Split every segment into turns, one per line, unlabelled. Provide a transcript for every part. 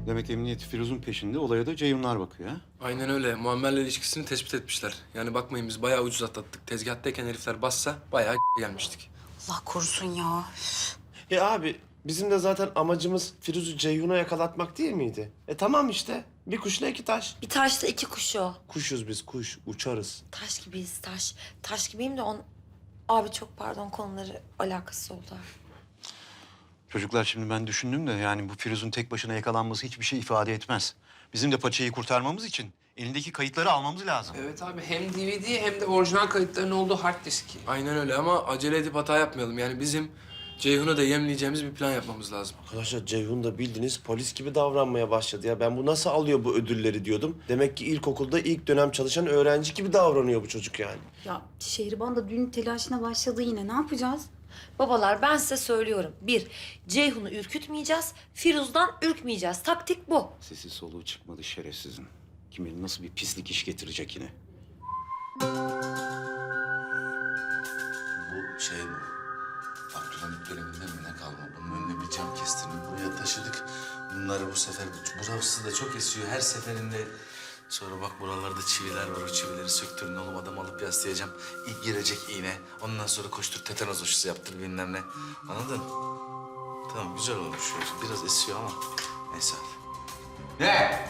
Demek emniyet Firuz'un peşinde, olaya da Ceyhunlar bakıyor ha?
Aynen öyle. Muammer'le ilişkisini tespit etmişler. Yani bakmayın biz bayağı ucuz atlattık. Tezgahtayken herifler bassa bayağı gelmiştik.
Allah korusun ya.
Abi bizim de zaten amacımız Firuz'u Ceyhun'a yakalatmak değil miydi? Tamam işte. Bir kuşla iki taş.
Bir taşla iki kuş o.
Kuşuz biz kuş. Uçarız.
Taş gibiyiz taş. Taş gibiyim de Abi çok pardon konuları alakası oldu.
Çocuklar şimdi ben düşündüm de yani bu Firuz'un tek başına yakalanması hiçbir şey ifade etmez. Bizim de paçayı kurtarmamız için elindeki kayıtları almamız lazım.
Evet abi hem DVD hem de orijinal kayıtların olduğu hard disk.
Aynen öyle ama acele edip hata yapmayalım. Yani bizim Ceyhun'u da yemleyeceğimiz bir plan yapmamız lazım.
Arkadaşlar Ceyhun da bildiğiniz polis gibi davranmaya başladı ya. Ben bu nasıl alıyor bu ödülleri diyordum. Demek ki ilkokulda ilk dönem çalışan öğrenci gibi davranıyor bu çocuk yani.
Ya Şehriban da düğün telaşına başladı yine. Ne yapacağız?
Babalar ben size söylüyorum. Bir, Ceyhun'u ürkütmeyeceğiz. Firuz'dan ürkmeyeceğiz. Taktik bu.
Sesi soluğu çıkmadı şerefsizin. Kim bilir nasıl bir pislik iş getirecek yine.
Bu şey bu. Abdülhamit döneminde mi ne kalma? Bunun önüne bir cam kestirdik. Buraya taşıdık. Bunları bu sefer... Burası da çok esiyor. Her seferinde... Sonra bak buralarda çiviler var. O çivileri söktürün oğlum. Adam alıp yaslayacağım. İlk girecek iğne. Ondan sonra koştur tetanoz aşısı yaptır bilmem ne. Anladın? Tamam güzel olmuş. Biraz esiyor ama neyse hadi. Ne?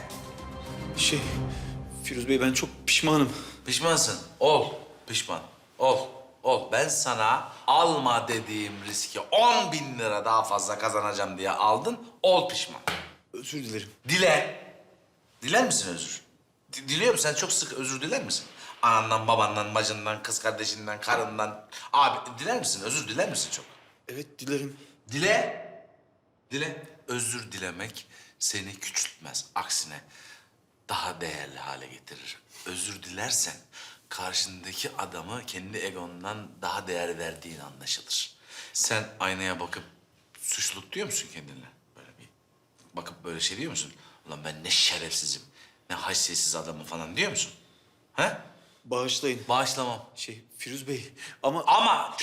Firuz Bey ben çok pişmanım.
Pişmansın. Ol. Pişman. Ol. Ol. Ben sana alma dediğim riski 10.000 lira daha fazla kazanacağım diye aldın. Ol pişman.
Özür dilerim.
Dile. Diler misin özür? Diliyor musun? Sen çok sık özür diler misin? Anandan, babandan, bacından, kız kardeşinden, karından. Abi diler misin? Özür diler misin çok?
Evet dilerim.
Dile. Dile. Özür dilemek seni küçültmez. Aksine daha değerli hale getirir. Özür dilersen karşındaki adamı kendi egondan daha değer verdiğin anlaşılır. Sen aynaya bakıp suçluluk diyor musun kendine? Böyle bir bakıp böyle şey diyor musun? Ulan ben ne şerefsizim, ne haysiyetsiz adamım falan diyor musun? He?
Bağışlayın.
Bağışlamam.
Firuz Bey ama...
Ama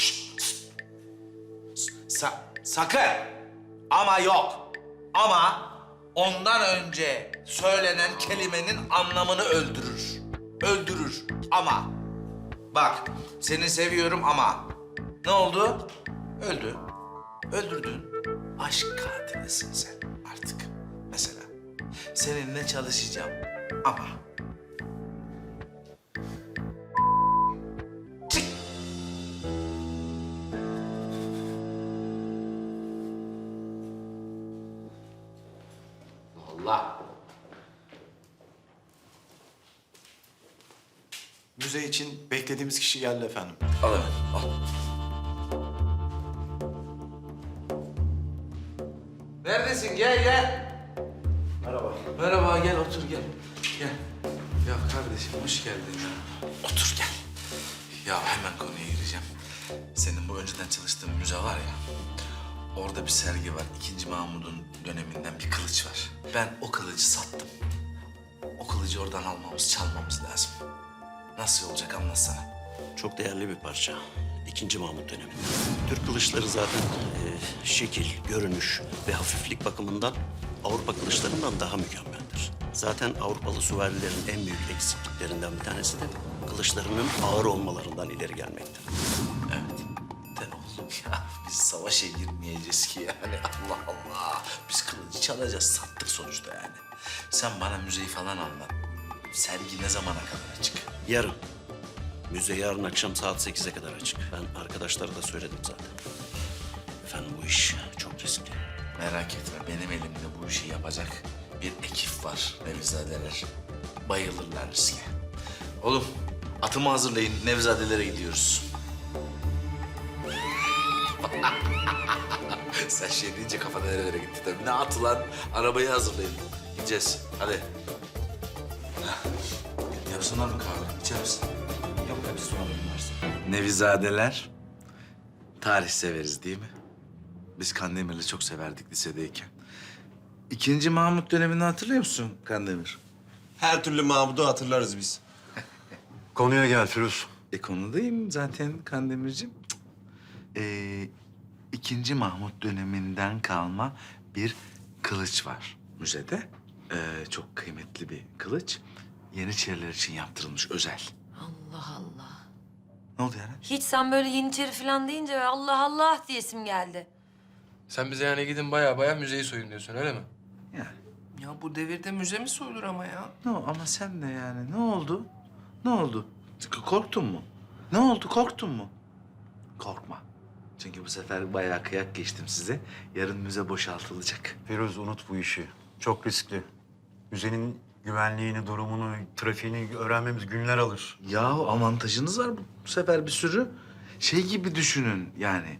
sakın. Ama yok. Ama ondan önce söylenen kelimenin anlamını öldürür. Öldürür. Ama. Bak seni seviyorum ama. Ne oldu? Öldü. Öldürdün. Aşk katilisin sen artık. Mesela. Seninle çalışacağım ama. Çık. Allah.
Müze için beklediğimiz kişi geldi efendim.
Al hemen, al. Neredesin? Gel, gel.
Merhaba.
Merhaba, gel otur, gel. Gel. Ya kardeşim, hoş geldin ya. Otur, gel. Ya hemen konuya gireceğim. Senin bu önceden çalıştığın müze var ya... Orada bir sergi var. İkinci Mahmud'un döneminden bir kılıç var. Ben o kılıcı sattım. O kılıcı oradan almamız, çalmamız lazım. Nasıl olacak anlatsana.
Çok değerli bir parça. İkinci Mahmut döneminde. Türk kılıçları zaten şekil, görünüş ve hafiflik bakımından Avrupa kılıçlarından daha mükemmeldir. Zaten Avrupalı süvarilerin en büyük eksikliklerinden bir tanesi de kılıçlarının ağır olmalarından ileri gelmektir.
Evet. De oğlum ya biz savaşa girmeyeceğiz ki yani. Allah Allah. Biz kılıcı çalacağız. Sattık sonuçta yani. Sen bana müzeyi falan anlat. Sergi ne zamana kadar açık?
Yarın. Müze yarın akşam saat 8'e kadar açık. Ben arkadaşlara da söyledim zaten. Efendim bu iş çok riskli.
Merak etme benim elimde bu işi yapacak bir ekip var Nevizadeler. Bayılırlar riske. Oğlum atımı hazırlayın Nevizadelere gidiyoruz. Sen şey deyince kafa nerelere gitti tabii. Ne atı lan? Arabayı hazırlayın. Gideceğiz. Hadi. Yapsınlar mı kahve? İçer misin?
Yok hadi soralım varsa.
Nevizadeler. Tarih severiz değil mi? Biz Kandemir'i çok severdik lisedeyken. İkinci Mahmut dönemini hatırlıyor musun Kandemir?
Her türlü Mahmud'u hatırlarız biz.
Konuya gel Firuz.
Konudayım zaten Kandemir'cim. İkinci Mahmut döneminden kalma bir kılıç var müzede. Çok kıymetli bir kılıç. Yeniçeriler için yaptırılmış özel.
Allah Allah.
Ne oldu yani?
Hiç sen böyle Yeniçeri falan deyince Allah Allah diyesim geldi.
Sen bize yani gidin baya müzeyi soyun diyorsun öyle mi?
Yani.
Ya bu devirde müze mi soyulur ama ya?
Ama sen de yani ne oldu? Ne oldu? Korktun mu? Ne oldu? Korktun mu? Korkma. Çünkü bu sefer bayağı kıyak geçtim size. Yarın müze boşaltılacak.
Firuz unut bu işi. Çok riskli. Müzenin güvenliğini, durumunu, trafiğini öğrenmemiz günler alır.
Ya avantajınız var bu sefer bir sürü. Şey gibi düşünün yani.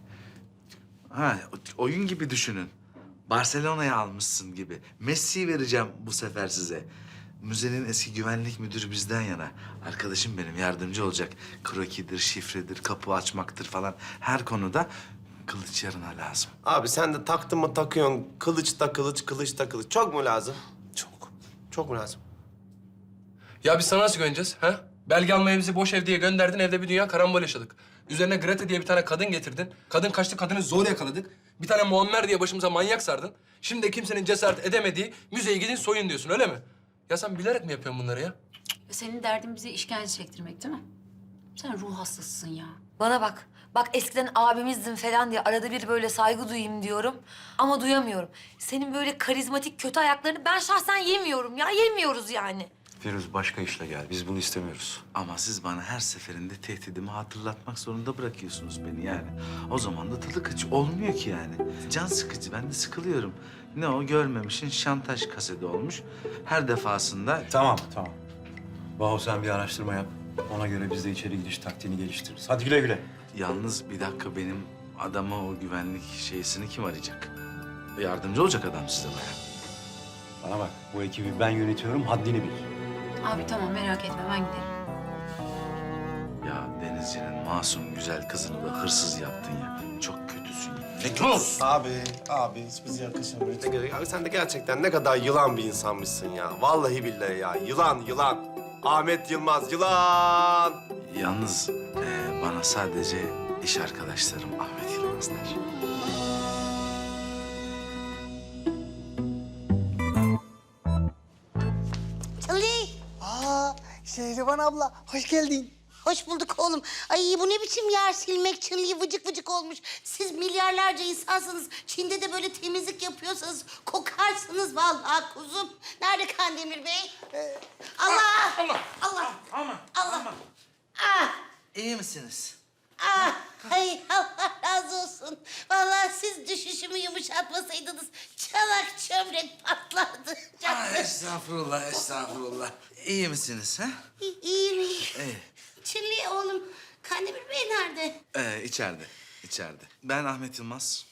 Oyun gibi düşünün. Barcelona'ya almışsın gibi. Messi'yi vereceğim bu sefer size. Müzenin eski güvenlik müdürü bizden yana. Arkadaşım benim yardımcı olacak. Krokidir, şifredir, kapı açmaktır falan. Her konuda kılıç yarına lazım.
Abi sen de taktın mı takıyorsun. Kılıç da kılıç, kılıç da kılıç. Çok mu lazım?
Çok.
Çok mu lazım?
Ya biz sana nasıl güveneceğiz ha? Belge almaya bizi boş ev diye gönderdin, evde bir dünya karambol yaşadık. Üzerine Grete diye bir tane kadın getirdin. Kadın kaçtı, kadını zor yakaladık. Bir tane Muammer diye başımıza manyak sardın. Şimdi de kimsenin cesaret edemediği müzeye gidin soyun diyorsun öyle mi? Ya sen bilerek mi yapıyorsun bunları ya?
Senin derdin bize işkence çektirmek değil mi? Sen ruh hastasısın ya.
Bana bak. Bak eskiden abimizdin falan diye arada bir böyle saygı duyayım diyorum. Ama duyamıyorum. Senin böyle karizmatik kötü ayaklarını ben şahsen yemiyorum ya. Yemiyoruz yani.
Firuz başka işle gel. Biz bunu istemiyoruz.
Ama siz bana her seferinde tehdidimi hatırlatmak zorunda bırakıyorsunuz beni yani. O zaman da tadı kaçı olmuyor ki yani. Can sıkıcı, ben de sıkılıyorum. Ne o görmemişin şantaj kaseti olmuş. Her defasında...
Tamam. Bahu sen bir araştırma yap. Ona göre biz de içeri gidiş taktiğini geliştiririz. Hadi güle güle.
Yalnız bir dakika benim adama o güvenlik şeysini kim arayacak? Yardımcı olacak adam size bayağı.
Bana bak bu ekibi ben yönetiyorum. Haddini bil.
Abi tamam merak etme ben giderim.
Ya Denizci'nin masum güzel kızını da hırsız yaptın ya. Çok kötüsün ya.
Abi hiç bize yakışamıyor. Abi sen de gerçekten ne kadar yılan bir insanmışsın ya. Vallahi billahi ya. Yılan. Ahmet Yılmaz, yılan.
Yalnız bana sadece iş arkadaşlarım Ahmet Yılmaz der.
Ali.
Şehriban abla, hoş geldin.
Hoş bulduk oğlum. Ay bu ne biçim yer silmek, çınlıyı vıcık vıcık olmuş. Siz milyarlarca insansınız. Çin'de de böyle temizlik yapıyorsanız kokarsınız vallahi kuzum. Nerede Kandemir Bey? Allah! Allah! Allah! Ah!
İyi misiniz?
Ah! Ay Allah razı olsun. Vallahi siz düşüşümü yumuşatmasaydınız çanak çömlek patlardı.
Estağfurullah. İyi misiniz ha?
İyiyim.
İyi.
Çinli oğlum Kandemir Bey nerede?
İçeride. Ben Ahmet Yılmaz.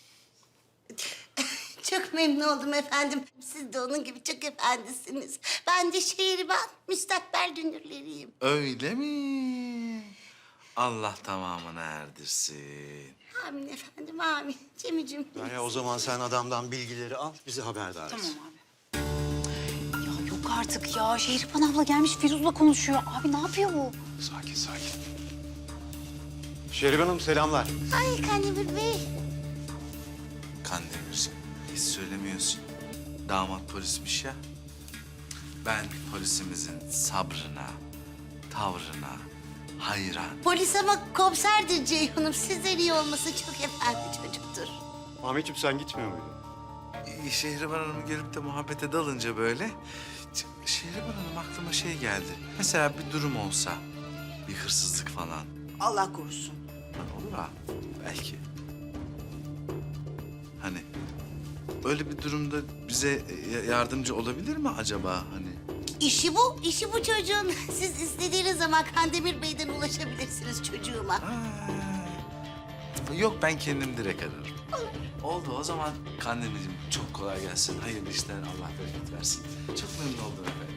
Çok memnun oldum efendim. Siz de onun gibi çok efendisiniz. Ben de Şehriban, müstakbel dünürleriyim.
Öyle mi? Allah tamamını erdirsin.
Amin efendim, amin. Cemicim.
Ya o zaman sen adamdan bilgileri al, bizi haberdar et.
Tamam abi. Ya yok artık ya. Şehriban abla gelmiş Firuz'la konuşuyor. Abi ne yapıyor bu?
Sakin. Şerife Hanım selamlar.
Ay Kandemir Bey.
Kandemir'cim hiç söylemiyorsun. Damat polismiş ya. Ben polisimizin sabrına, tavrına hayran.
Polis ama komiserdir Ceyhun'um. Sizden iyi olması çok efendi çocuktur.
Ahmetciğim sen gitmiyor muydun?
Şehriban Hanım'ı görüp de muhabbete dalınca böyle... Şehriban Hanım aklıma şey geldi. Mesela bir durum olsa, bir hırsızlık falan.
Allah korusun.
Olur ha, belki. Hani öyle bir durumda bize yardımcı olabilir mi acaba hani?
İşi bu çocuğun. Siz istediğiniz zaman Kandemir Bey'den ulaşabilirsiniz çocuğuma.
Yok ben kendim direkt ararım. Oldu o zaman Kandemir'cim çok kolay gelsin. Hayırlı işler Allah bereket versin. Çok memnun oldum efendim.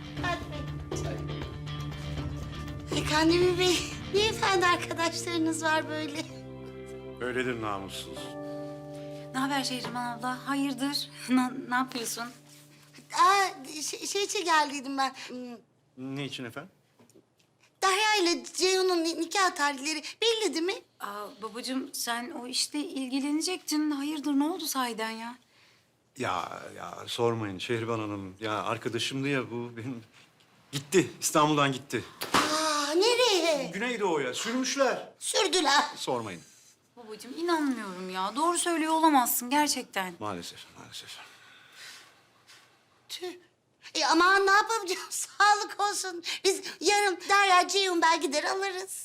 Kandemir Bey, ne efendi arkadaşlarınız var böyle?
Öyledir namussuz.
Ne haber Şehriban abla? Hayırdır? Ne yapıyorsun?
Şey için geldiydim ben.
Ne için efendim?
Derya ile Ceyhun'un nikah tarihleri belli değil mi?
Babacığım sen o işle ilgilenecektin. Hayırdır ne oldu sahiden ya?
Ya sormayın Şehriban Hanım. Ya arkadaşımdı ya bu benim. Gitti. İstanbul'dan gitti.
Aa, nereye?
Güneydoğu'ya sürmüşler.
Sürdüler.
Sormayın.
Babacığım inanmıyorum ya. Doğru söylüyor olamazsın gerçekten.
Maalesef.
Tüh. Aman ne yapacağım? Sağlık olsun. Biz yarın Derya Ceyhun belki gider alırız.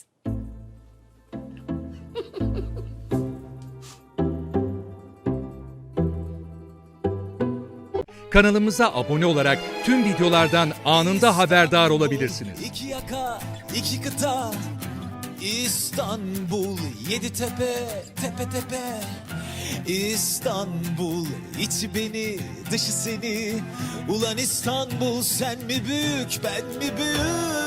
Kanalımıza abone olarak tüm videolardan anında haberdar olabilirsiniz.
İki yaka, iki kıta, İstanbul, yedi tepe, tepe tepe. İstanbul, içi beni, dışı seni. Ulan İstanbul, sen mi büyük, ben mi büyük?